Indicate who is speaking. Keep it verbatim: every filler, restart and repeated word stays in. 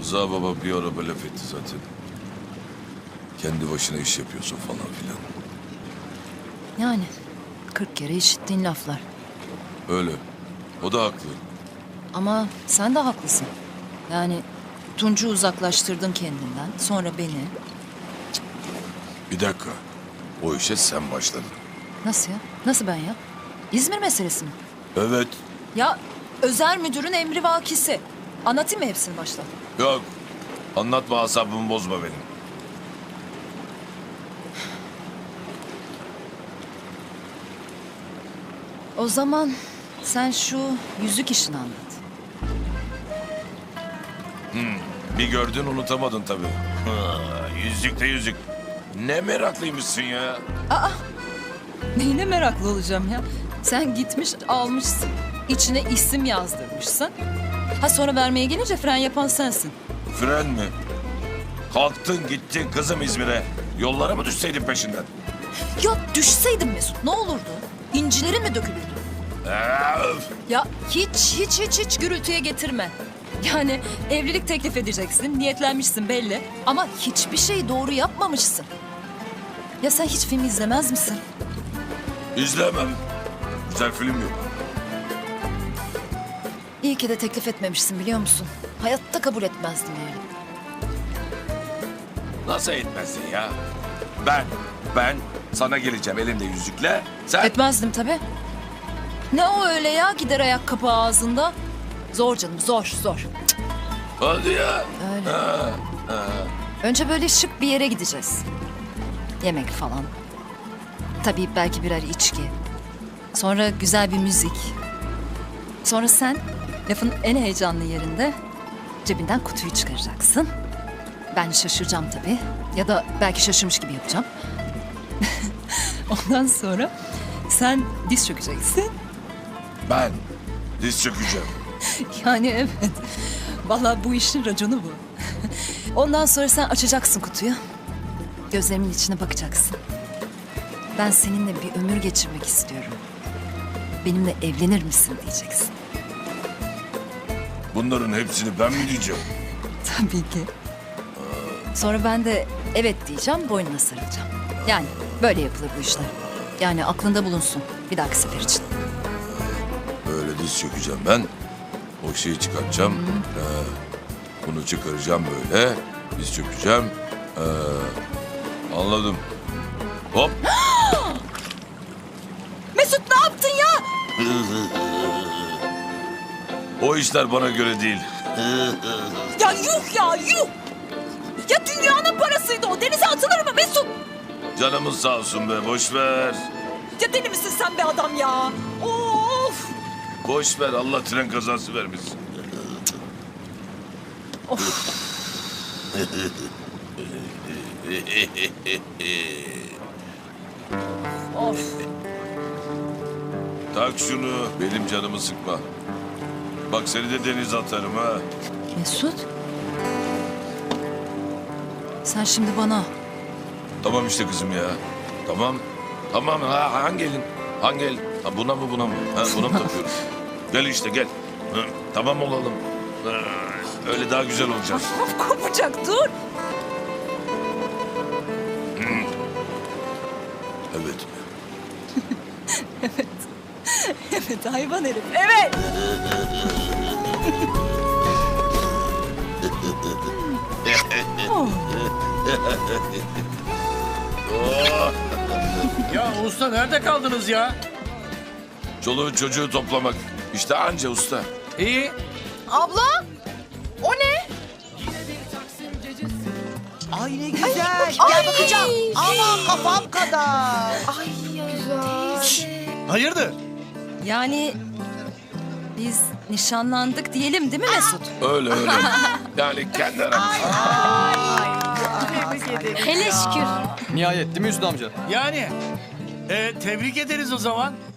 Speaker 1: Rıza baba bir ara böyle laf etti zaten. Kendi başına iş yapıyorsun falan filan.
Speaker 2: Yani kırk kere işittiğin laflar.
Speaker 1: Öyle. O da haklı.
Speaker 2: Ama sen de haklısın. Yani Tunç'u uzaklaştırdın kendinden. Sonra beni.
Speaker 1: Bir dakika. O işe sen başladın.
Speaker 2: Nasıl ya? Nasıl ben ya? İzmir meselesi mi?
Speaker 1: Evet.
Speaker 2: Ya özel müdürün emri vakisi. Anlatayım mı hepsini baştan?
Speaker 1: Yok. Anlatma, asabımı bozma benim.
Speaker 2: O zaman sen şu yüzük işini anlat.
Speaker 1: Bir gördün unutamadın tabii. Ha, yüzük de yüzük. Ne meraklıymışsın ya.
Speaker 2: Neyine meraklı olacağım ya? Sen gitmiş almışsın. İçine isim yazdırmışsın. Ha sonra vermeye gelince fren yapan sensin.
Speaker 1: Fren mi? Kalktın gittin kızım İzmir'e. Yollara mı düşseydin peşinden?
Speaker 2: Ya düşseydin Mesut ne olurdu? İncilerin mi dökülürdü?
Speaker 1: Ee, öf.
Speaker 2: Ya hiç hiç hiç hiç gürültüye getirme. Yani evlilik teklif edeceksin, niyetlenmişsin belli. Ama hiçbir şeyi doğru yapmamışsın. Ya sen hiç film izlemez misin?
Speaker 1: İzlemem. Güzel film yok.
Speaker 2: İyi ki de teklif etmemişsin biliyor musun? Hayatta kabul etmezdim yani.
Speaker 1: Nasıl etmezsin ya? Ben, ben sana geleceğim elimde yüzükle. Sen...
Speaker 2: Etmezdim tabii. Ne o öyle ya gider ayak kapağı ağzında? Zor canım zor zor.
Speaker 1: Hadi ya.
Speaker 2: Öyle.
Speaker 1: Ha, ha.
Speaker 2: Önce böyle şık bir yere gideceğiz. Yemek falan. Tabii belki birer içki. Sonra güzel bir müzik. Sonra sen lafın en heyecanlı yerinde cebinden kutuyu çıkaracaksın. Ben şaşıracağım tabii. Ya da belki şaşırmış gibi yapacağım. Ondan sonra sen diz çökeceksin.
Speaker 1: Ben diz çökeceğim.
Speaker 2: Yani evet. Vallahi bu işin raconu bu. Ondan sonra sen açacaksın kutuyu. Gözlerimin içine bakacaksın. Ben seninle bir ömür geçirmek istiyorum. Benimle evlenir misin diyeceksin.
Speaker 1: Bunların hepsini ben mi diyeceğim?
Speaker 2: Tabii ki. Sonra ben de evet diyeceğim, boynuna sarılacağım. Yani böyle yapılır bu işler. Yani aklında bulunsun bir dahaki sefer için.
Speaker 1: Böyle diz çökeceğim ben. O şeyi çıkartacağım. Ee, bunu çıkaracağım böyle. Diz çökeceğim. Ee, anladım. Hop.
Speaker 2: Mesut ne yaptın ya?
Speaker 1: O işler bana göre değil.
Speaker 2: Ya yuh ya yuh! Ya dünyanın parasıydı o. Denize atılır mı Mesut?
Speaker 1: Canımız sağ olsun be, boş ver.
Speaker 2: Ya deli misin sen be adam ya? Of!
Speaker 1: Boş ver, Allah tren kazası vermesin.
Speaker 2: Of!
Speaker 1: Tak şunu, benim canımı sıkma. Bak seni de denize atarım ha.
Speaker 2: Mesut? Sen şimdi bana
Speaker 1: Tamam işte kızım ya. Tamam. Tamam ha, hangi elin? Hangi el? Ha, buna mı buna mı? Ha, buna mı takıyoruz? Gel işte gel. Hı, tamam olalım. Ha, öyle daha güzel olacak.
Speaker 2: of kopacak dur.
Speaker 1: Evet.
Speaker 2: Evet hayvan herif. Evet.
Speaker 1: Oh,
Speaker 3: Ya usta nerede kaldınız ya?
Speaker 1: çoluğu çocuğu toplamak. İşte anca usta.
Speaker 3: İyi.
Speaker 4: Abla! O ne?
Speaker 5: Ay ne güzel. Gel bakacağım. Ama kafam kadar.
Speaker 4: Ay güzel.
Speaker 3: Hayırdır?
Speaker 2: Yani biz nişanlandık diyelim değil mi Mesut?
Speaker 1: Öyle öyle. Yani kendi aramızda.
Speaker 2: Hele şükür.
Speaker 6: Nihayet değil mi Hüsnü amca?
Speaker 3: Yani. E, tebrik ederiz o zaman.